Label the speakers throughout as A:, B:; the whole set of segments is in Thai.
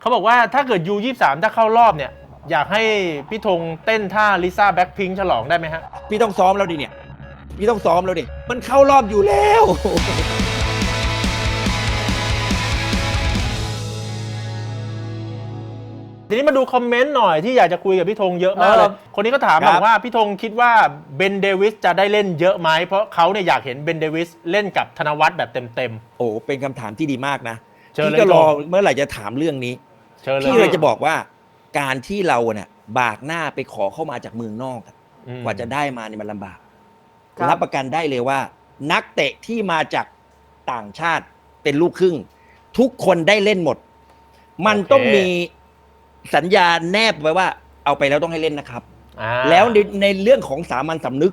A: เขาบอกว่าถ้าเกิด U23 ถ้าเข้ารอบเนี่ยอยากให้พี่ธงเต้นท่าลิซ่าแบ็คพิงค์ฉลองได้ไหมฮะ
B: พี่ต้องซ้อมแล้วดิเนี่ยพี่ต้องซ้อมแล้วดิมันเข้ารอบอยู่แล้ว
A: ทีนี้มาดูคอมเมนต์หน่อยที่อยากจะคุยกับพี่ธงเยอะมากเลยคนนี้ก็ถามบอกว่าพี่ธงคิดว่าเบนเดวิสจะได้เล่นเยอะไหมเพราะเขาเนี่ยอยากเห็นเบนเดวิสเล่นกับธนวัฒน์แบบเต็ม
B: โอ้เป็นคำถามที่ดีมากนะ
A: พี่
B: ก็รอเมื่อไหร่จะถามเรื่องนี้พี่เลยจะบอกว่าการที่เราเนี่ยบากหน้าไปขอเข้ามาจากเมืองนอกกว่าจะได้มาเนี่ยมันลำบากรับประกันได้เลยว่านักเตะที่มาจากต่างชาติเป็นลูกครึ่งทุกคนได้เล่นหมดมันต้องมีสัญญาแนบไว้ว่าเอาไปแล้วต้องให้เล่นนะครับแล้วในเรื่องของสามัญสำนึก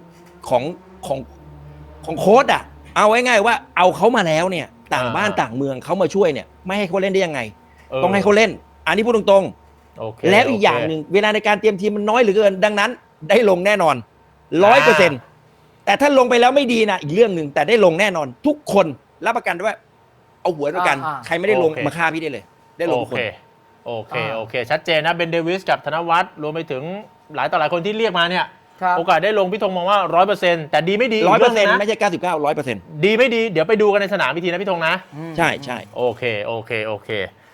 B: ของโค้ชเอาไว้ง่ายว่าเอาเขามาแล้วเนี่ยต่างบ้านต่างเมืองเขามาช่วยเนี่ยไม่ให้เขาเล่นได้ยังไงต้องให้เขาเล่นอันนี้พูดตรงๆแล้วอีกอย่างหนึ่งเวลาในการเตรียมทีมมันน้อยเหลือเกินดังนั้นได้ลงแน่นอน 100%แต่ถ้าลงไปแล้วไม่ดีนะอีกเรื่องหนึ่งแต่ได้ลงแน่นอนทุกคนรับประกันว่าเอาหัวด้วยกันใครไม่ได้ลงมาฆ่าพี่ได้เลยได้ลงทุกคน
A: โอเคชัดเจนนะเบนเดวิสกับธนวัฒน์รวมไปถึงหลายต่อหลายคนที่เรียกมาเนี่ยโอกาสได้ลงพี่ธงมองว่า 100% แต่ดีไม่ดี
B: 100% ไม่ใช่99 100%
A: ดีไม่ดีเดี๋ยวไปดูกันในสนามพิธีนะพี่ธงนะ
B: ใช่
A: โอเค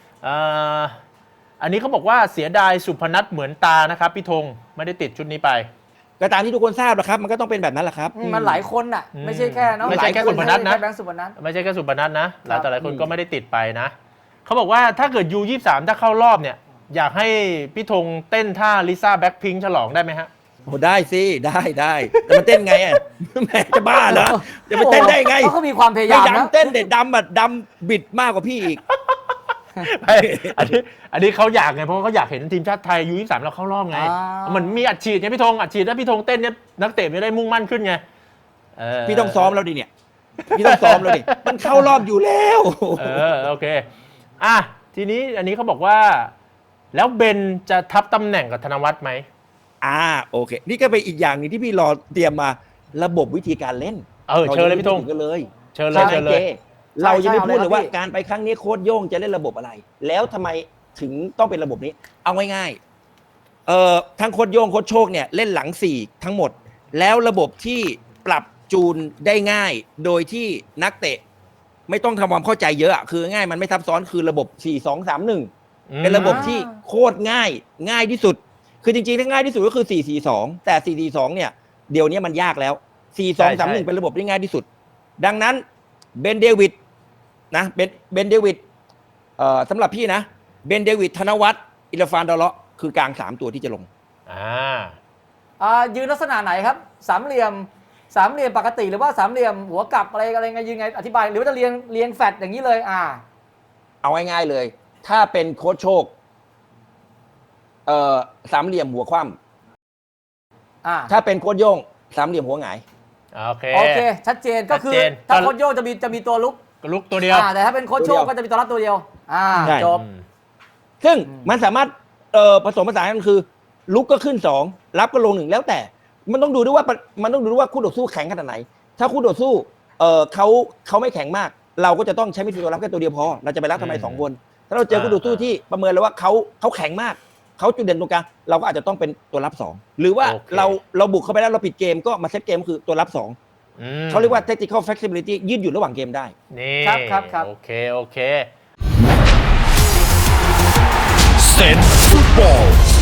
A: อันนี้เขาบอกว่าเสียดายสุพนัทเหมือนตานะครับพี่ธงไม่ได้ติดชุดนี้ไป
B: ก็ตามที่ทุกคนทราบนะครับมันก็ต้องเป็นแบบนั้นแหละครับ
C: มันหลายคนน่ะไม่ใช่แค่
A: ไม่ใช่แค่สุพนัทนะ
C: ไม่ใช่แค่
A: สุพนัทนะหลายต่อหลายคนก็ไม่ได้ติดไปนะเขาบอกว่าถ้าเกิด U23 ถ้าเข้ารอบเนี่ยอยากให้พี่ธงเต้นท่าลิซ่าแบ็คพิงค์ฉลองได้ไหมฮะ
B: โอ้ได้สิได้แต่มันเต้นไงแม่จะบ้าเหรอจะไปเต้นได้ไง
C: เขามีความพยายามนะ
B: เต้นเด็ดดำบิดมากกว่าพี่อีก
A: อันนี้เขาอยากไงเพราะเขาอยากเห็นทีมชาติไทย U23 แล้วเข้ารอบไงมันมีอัดฉีดไงพี่ธงอัดฉีดถ้าพี่ธงเต้นเนี่ยนักเตะไม่ได้มุ่งมั่นขึ้นไง
B: พี่ต้องซ้อมแล้วดิเนี่ยพี่ต้องซ้อมแล้วดิมันเข้ารอบอยู่แล้ว
A: โอเคทีนี้อันนี้เขาบอกว่าแล้วเบนจะทับตำแหน่งกับธนวัฒน์ไหม
B: โอเคนี่ก็เป็นอีกอย่างนึงที่พี่รอเตรียมมาระบบวิธีการเล่น
A: เชิญเลยพี่ธง
B: กันเลย
A: เชิญเลย
B: เรายังไม่พูดเลยว่าการไปครั้งนี้โค้ชโย่งจะเล่นระบบอะไรแล้วทำไมถึงต้องเป็นระบบนี้เอาง่ายๆทั้งโค้ชโย่งโค้ชโชคเนี่ยเล่นหลัง4ทั้งหมดแล้วระบบที่ปรับจูนได้ง่ายโดยที่นักเตะไม่ต้องทำความเข้าใจเยอะคือง่ายมันไม่ซับซ้อนคือระบบ4-2-3-1เป็นระบบที่โคตรง่ายที่สุดคือจริงๆถ้าง่ายที่สุดก็คือ4-4-2แต่4-4-2เนี่ยเดี๋ยวนี้มันยากแล้ว4-2-3-1เป็นระบบที่ง่ายที่สุดดังนั้นเบนเดวิดนะเบนเดวิดสำหรับพี่นะเบนเดวิดธนวัฒน์อิลฟานดอเลาะคือกลาง3ตัวที่จะลง
C: ยืนลักษณะไหนครับสามเหลี่ยมปกติหรือว่าสามเหลี่ยมหัวกลับอะไรไงยืนไงอธิบายหรือว่าจะเรียงแฟตอย่างนี้เลย
B: เอาง่ายๆเลยถ้าเป็นโค้ชโชคสามเหลี่ยมหัวคว่ำถ้าเป็นโค้ชโย่งสามเหลี่ยมหัวหงาย
C: โอเคชัดเจนก็คือถ้าโค้ชโย่งจะมีตัวลุก
A: ตัวเดียว
C: แต่ถ้าเป็นโค้ชโชคก็จะมีตัวรับตัวเดียวจบ
B: ซึ่งมันสามารถผสมผสานกันคือลุกก็ขึ้น2รับก็ลง1แล้วแต่มันต้องดูด้วยว่าคู่ต่อสู้แข็งขนาดไหนถ้าคู่ต่อสู้เขาไม่แข็งมากเราก็จะต้องใช้มิดฟิลด์ตัวรับแค่ตัวเดียวพอเราจะไปรับทำไม2คนถ้าเราเจอคู่ต่อสู้ที่ประเมินแล้วว่าเขาแข็งมากเขาจุดเด่นตรงกลางเราก็อาจจะต้องเป็นตัวรับ2หรือว่าเราบุกเข้าไปแล้วเราปิดเกมก็มาเซตเกมคือตัวรับ2เขาเรียกว่า tactical flexibility ยืดหยุ่นระหว่างเกมได้
A: นี่
C: ครับ
A: โอเค
D: เซนฟุตบอล